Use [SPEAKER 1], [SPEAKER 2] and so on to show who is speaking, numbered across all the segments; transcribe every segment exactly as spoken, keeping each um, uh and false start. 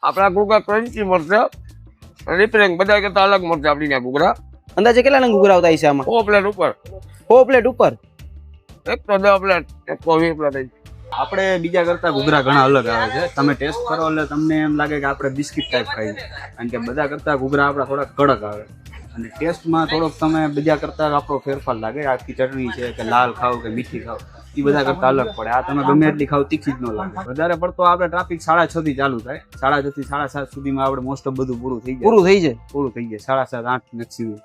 [SPEAKER 1] આપણા ઘૂઘરા ક્રન્ચી મળશે, રિપેરિંગ બધા કરતા અલગ મળશે આપણી ત્યાં ઘૂઘરા.
[SPEAKER 2] અંદાજે કેટલા નંગ ઘૂઘરા આવતા હશે આમાં?
[SPEAKER 1] સો પ્લેટ ઉપર,
[SPEAKER 2] સો પ્લેટ ઉપર.
[SPEAKER 1] એક તો દસ પ્લેટ, એક તો વીસ પ્લેટ.
[SPEAKER 3] આપણે બીજા કરતા ઘૂઘરા ઘણા અલગ આવે છે. તમે ટેસ્ટ કરો એટલે તમને એમ લાગે કે આપણે બિસ્કિટ ટાઈપ ખાઈએ, કારણ કે બધા કરતા ઘૂઘરા આપણા થોડા કડક આવે અને ટેસ્ટમાં થોડોક તમે બીજા કરતા આપણો ફેરફાર લાગે. આખી ચટણી છે કે લાલ ખાવ કે મીઠી ખાવ એ બધા કરતા અલગ પડે. આ તમે ગમે એટલી ખાવ તીખી જ ન લાગે. વધારે પડતો આપણે ટ્રાફિક સાડા છ થી ચાલુ થાય, સાડા છ થી સાડા સાત સુધીમાં આપણે મોસ્ટ ઓફ બધું પૂરું થઈ જાય.
[SPEAKER 2] પૂરું થઈ જાય
[SPEAKER 3] પૂરું થઈ જાય સાડા સાત આઠ મેક્સિમમ.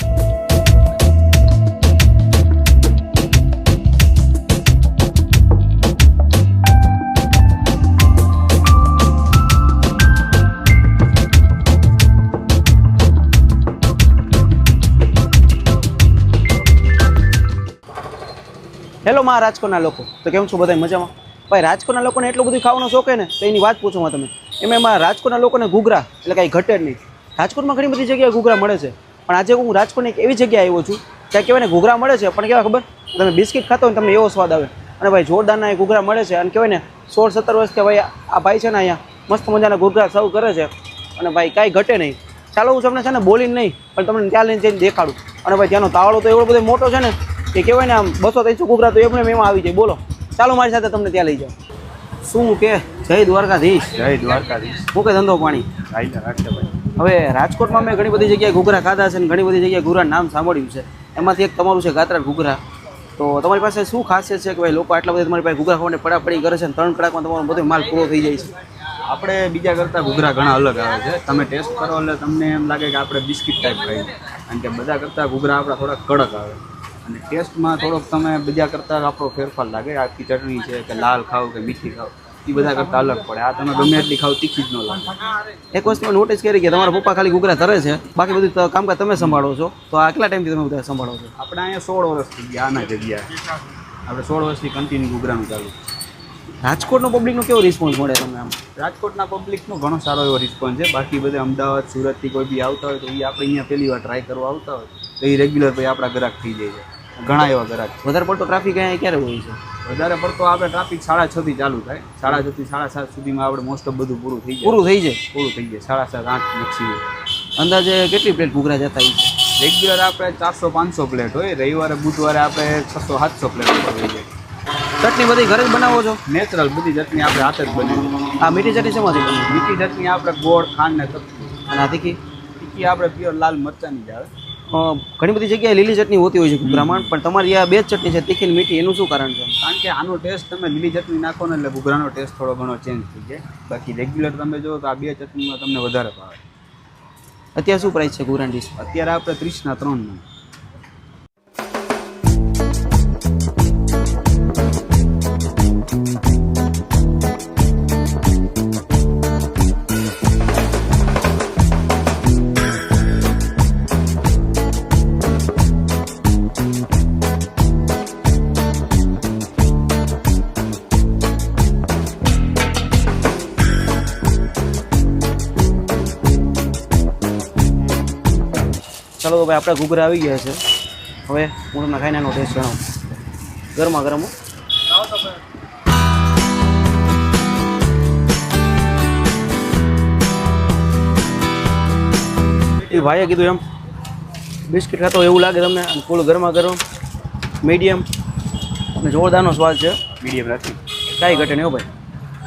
[SPEAKER 2] હેલો મારા રાજકોટના લોકો, તો કેમ છો બધા મજામાં? ભાઈ રાજકોટના લોકોને એટલું બધું ખાવાનો શોખ ને તો એની વાત પૂછો તમે. એમાં એમાં રાજકોટના લોકોને ઘૂઘરા એટલે કાંઈ ઘટે જ નહીં. રાજકોટમાં ઘણી બધી જગ્યાએ ઘૂઘરા મળે છે, પણ આજે હું રાજકોટની એક એવી જગ્યાએ આવ્યો છું ત્યાં કહેવાય ને ઘૂઘરા મળે છે, પણ કેવા ખબર, તમે બિસ્કિટ ખાતો હોય તમને એવો સ્વાદ આવે. અને ભાઈ જોરદારના એ ઘૂઘરા મળે છે અને કહેવાય ને સોળ સત્તર વર્ષથી ભાઈ આ ભાઈ છે ને અહીંયા મસ્ત મજાના ઘૂઘરા સર્વ કરે છે અને ભાઈ કાંઈ ઘટે નહીં. ચાલો હું તમને છે ને બોલીને નહીં પણ તમને ત્યાં લઈને જઈને દેખાડું. અને ભાઈ ત્યાંનો તાવડો તો એવો બધો મોટો છે ને કે કહેવાય ને આમ બસો ત્રણસો ઘૂઘરા તો એમને એમાં આવી જાય. બોલો, ચાલો મારી સાથે તમને ત્યાં લઈ જાઓ. શું કે જય દ્વારકાધીશ.
[SPEAKER 3] જય દ્વારકાધીશ.
[SPEAKER 2] હું કે ધંધો પાણી હવે રાજકોટમાં મેં ઘણી બધી જગ્યાએ ઘૂઘરા ખાધા છે અને ઘણી બધી જગ્યાએ ઘૂઘરા નામ સાંભળ્યું છે. એમાંથી એક તમારું છે ગાત્રા ઘૂઘરા. તો તમારી પાસે શું ખાસિયત છે કે ભાઈ લોકો આટલા બધા તમારી પાસે ઘૂઘરા ખાવાને પડાપડી કરે છે અને ત્રણ કલાકમાં તમારો બધો માલ પૂરો થઈ જાય છે?
[SPEAKER 3] આપણે બીજા કરતા ઘૂઘરા ઘણા અલગ આવે છે. તમે ટેસ્ટ કરો એટલે તમને એમ લાગે કે આપણે બિસ્કિટ ટાઈપ ખાઈએ, કારણ કે બધા કરતા ઘૂઘરા આપણા થોડા કડક આવે અને ટેસ્ટમાં થોડોક તમે બીજા કરતાં આપણો ફેરફાર લાગે. આખી ચટણી છે કે લાલ ખાવ કે મીઠી ખાવ એ બધા કરતાં અલગ પડે. આ તમે ગમે એટલી ખાવ તીખી જ ન લાગે.
[SPEAKER 2] એક વસ્તુ મેં નોટિસ કરી કે તમારા પપ્પા ખાલી ઘૂઘરા ધરે છે, બાકી બધું કામકાજ તમે સંભાળો છો. તો આ કેટલા ટાઈમથી તમે બધા સંભાળો છો?
[SPEAKER 3] આપણે અહીંયા સોળ વર્ષ થઈ ગયા આના જગ્યાએ. આપણે સોળ વર્ષથી કન્ટિન્યુ ઘૂઘરાનું ચાલુ.
[SPEAKER 2] રાજકોટનો પબ્લિકનો કેવો રિસ્પોન્સ મળે તમને આમ?
[SPEAKER 3] રાજકોટના પબ્લિકનો ઘણો સારો એવો રિસ્પોન્સ છે. બાકી બધે અમદાવાદ સુરતથી કોઈ બી આવતા હોય તો એ આપણે અહીંયા પહેલી વાર ટ્રાય કરવા આવતા હોય તો એ રેગ્યુલર ભાઈ આપણા ગ્રાહક થઈ જાય છે. ઘણા એવા ગ્રાહક.
[SPEAKER 2] વધારે પડતો ટ્રાફિક અહીંયા ક્યારે હોય છે?
[SPEAKER 3] વધારે પડતો આપણે ટ્રાફિક સાડા છ થી ચાલુ થાય, સાડા છ થી સાડા સાત સુધીમાં આપણે મોસ્ટ ઓફ બધું પૂરું થઈ જાય.
[SPEAKER 2] પૂરું થઈ જાય
[SPEAKER 3] પૂરું થઈ જાય સાડા સાત આઠ મેક્સિમમ.
[SPEAKER 2] અંદાજે કેટલી પ્લેટ ઘૂઘરા જતા હોય છે?
[SPEAKER 3] રેગ્યુલર આપણે ચારસો પાંચસો પ્લેટ હોય, રવિવારે બુધવારે આપણે છસો સાતસો પ્લેટ ઉપર થઈ જાય.
[SPEAKER 2] ચટણી બધી ઘરે જ બનાવો છો?
[SPEAKER 3] નેચરલ બધી ચટણી આપણે હાથે જ બનાવીએ.
[SPEAKER 2] આ મીઠી ચટણી શેમાંથી બને?
[SPEAKER 3] મીઠી ચટણી આપણે ગોળ ખાંડ ને ચટણી,
[SPEAKER 2] અને આ તીખી
[SPEAKER 3] તીખી આપણે પ્યોર લાલ મરચાંની જ આવે.
[SPEAKER 2] ઘણી બધી જગ્યાએ લીલી ચટણી હોતી હોય છે ઘૂઘરામાં, પણ તમારી આ બે જ ચટણી છે, તીખી ને મીઠી, એનું શું કારણ છે?
[SPEAKER 3] કારણ કે આનો ટેસ્ટ તમે લીલી ચટણી નાખો ને એટલે ઘૂઘરાનો ટેસ્ટ થોડો ઘણો ચેન્જ થઈ જાય. બાકી રેગ્યુલર તમે જો તો આ બે ચટણીમાં તમને વધારે ભાવે.
[SPEAKER 2] અત્યારે શું પ્રાઇસ છે ઘૂઘરાની ડીશ?
[SPEAKER 3] અત્યારે આપણે ત્રીસના ત્રણમાં.
[SPEAKER 2] ચાલો તો ભાઈ આપણે ઘૂઘરા આવી ગયા છે. હવે હું તમને ખાઈને એનો ટેસ્ટ જણાવું. ગરમા ગરમ. એ ભાઈએ કીધું એમ બિસ્કિટ ખાતો એવું લાગે તમને, અને ફૂલ ગરમા ગરમ મીડિયમ અને જોરદારનો સ્વાદ છે.
[SPEAKER 3] મીડિયમ રાખી
[SPEAKER 2] કાંઈ ઘટે નહીં હો ભાઈ.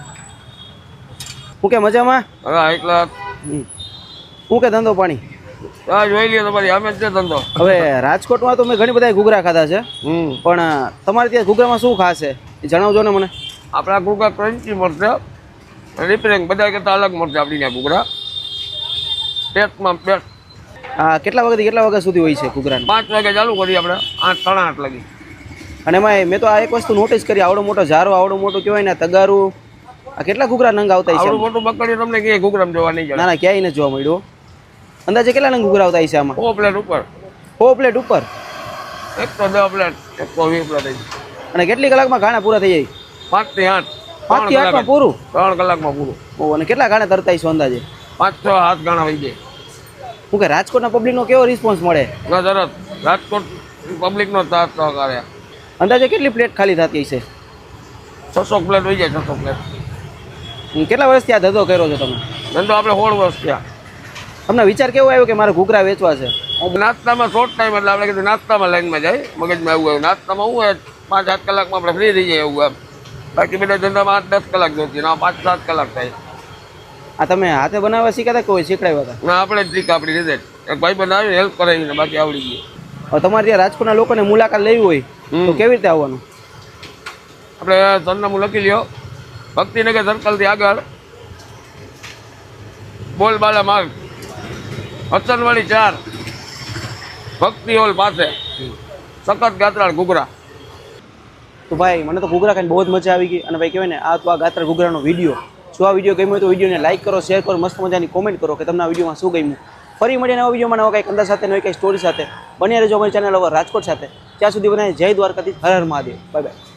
[SPEAKER 2] હું કે મજામાં?
[SPEAKER 1] હા એકલા
[SPEAKER 2] હું કે ધંધો પાણી?
[SPEAKER 1] હા જોઈ લ્યો તમારી અમે જ ધંધો.
[SPEAKER 2] હવે રાજકોટમાં તો મેં ઘણી બધા ઘૂઘરા ખાધા છે,
[SPEAKER 1] હમ
[SPEAKER 2] પણ તમારે ત્યાં ઘૂઘરામાં શું ખાસ છે એ જણાવજો ને મને.
[SPEAKER 1] આપણા ઘૂઘરા ક્રન્ચી મળશે, રિપેરિંગ બધા કરતા અલગ મળશે આપણી ત્યાં ઘૂઘરા. પેટમાં પેટ.
[SPEAKER 2] હા, કેટલા વાગ્યાથી કેટલા વાગ્યા સુધી હોય છે ઘૂઘરાનું?
[SPEAKER 1] પાંચ વાગે ચાલુ કરીએ આપણે, આઠ સાડા આઠ લાગી.
[SPEAKER 2] અને એમાં મેં તો આ એક વસ્તુ નોટિસ કરી, આવડો મોટો ઝારો, આવડો મોટો કહેવાય ને તગારું, આ કેટલા ઘૂઘરા નંગ આવતા હશે?
[SPEAKER 1] આવડું મોટું પકડી તમને ક્યાંય ઘૂઘરામાં જોવા નહીં
[SPEAKER 2] ના
[SPEAKER 1] જાય.
[SPEAKER 2] ના, ક્યાંય નથી જોવા મળ્યું. અંદાજે કેટલા નંગ ઘૂઘરા આવતા હશે આમાં?
[SPEAKER 1] સો પ્લેટ ઉપર,
[SPEAKER 2] સો પ્લેટ ઉપર.
[SPEAKER 1] એક તો દસ પ્લેટ, એક તો વીસ પ્લેટ.
[SPEAKER 2] અને કેટલી કલાકમાં ઘાણા પૂરા થઈ જાય?
[SPEAKER 1] પાંચ થી આઠ.
[SPEAKER 2] પાંચ થી આઠમાં પૂરું?
[SPEAKER 1] ત્રણ કલાકમાં પૂરું.
[SPEAKER 2] ઓહ, અને કેટલા ઘાણા તરતા હશો અંદાજે?
[SPEAKER 1] પાંચ છ હાથ ગાણા વહી જાય.
[SPEAKER 2] હું કે રાજકોટના પબ્લિકનો કેવો રિસ્પોન્સ મળે?
[SPEAKER 1] ના તરત રાજકોટ પબ્લિકનો તાત તો કરે.
[SPEAKER 2] અંદાજે કેટલી પ્લેટ ખાલી થતી હશે?
[SPEAKER 1] છસો પ્લેટ વહી જાય. છસો પ્લેટ.
[SPEAKER 2] કેટલા વર્ષથી આ ધંધો કર્યો છો તમે?
[SPEAKER 1] ધંધો આપણે સોળ વર્ષ થયા.
[SPEAKER 2] તમને વિચાર કેવો આવ્યો કે મારે ઘૂઘરા વેચવા છે?
[SPEAKER 1] નાસ્તામાં શોર્ટ ટાઈમ એટલે આપણે કીધું નાસ્તામાં લાઈનમાં જાય, મગજમાં એવું આવ્યું. નાસ્તામાં શું હોય પાંચ સાત કલાકમાં આપણે ફ્રી થઈ જાય એવું એમ. બાકી બધા ધંધામાં આઠ દસ કલાક જોતી ના પાંચ સાત કલાક થાય.
[SPEAKER 2] આ તમે હાથે બનાવવા શીખ્યા હતા કે કોઈ શીખડાવ્યા હતા?
[SPEAKER 1] ના આપણે જ ટ્રીક આપણી રીતે જ એક ભાઈ બનાવી હેલ્પ કરાવીને બાકી આવડી ગયું.
[SPEAKER 2] હવે તમારે ત્યાં રાજકોટના લોકોને મુલાકાત લેવી હોય તો કેવી રીતે આવવાનું?
[SPEAKER 1] આપણે સરનામું લખી લ્યો, ભક્તિનગર સર્કલથી આગળ બોલબાલા માર્ગ, હસનવાડી ચાર, ભક્તિ હોલ પાસે, સખત ગાત્રાળ ઘૂઘરા.
[SPEAKER 2] તો ભાઈ મને તો ઘૂઘરા ખાઈને બહુ જ મજા આવી ગઈ. અને ભાઈ કહેવાય ને આ તો આ ગાત્રા ઘૂઘરાનો વિડીયો. જો આ વિડીયો ગમ્યો તો વિડીયોને લાઈક કરો, શેર કરો, મસ્ત મજાની કોમેન્ટ કરો કે તમને આ વિડીયોમાં શું ગમ્યું. ફરી મળીએ નવા વિડીયોમાં નવા કંઈક અંદાજ સાથે, નવી કંઈક સ્ટોરી સાથે. બન્યા રહેજો અમારી ચેનલ over રાજકોટ સાથે. ત્યાં સુધી બનાવીએ જય દ્વારકાધીશ, હર હર મહાદેવ. Bye by.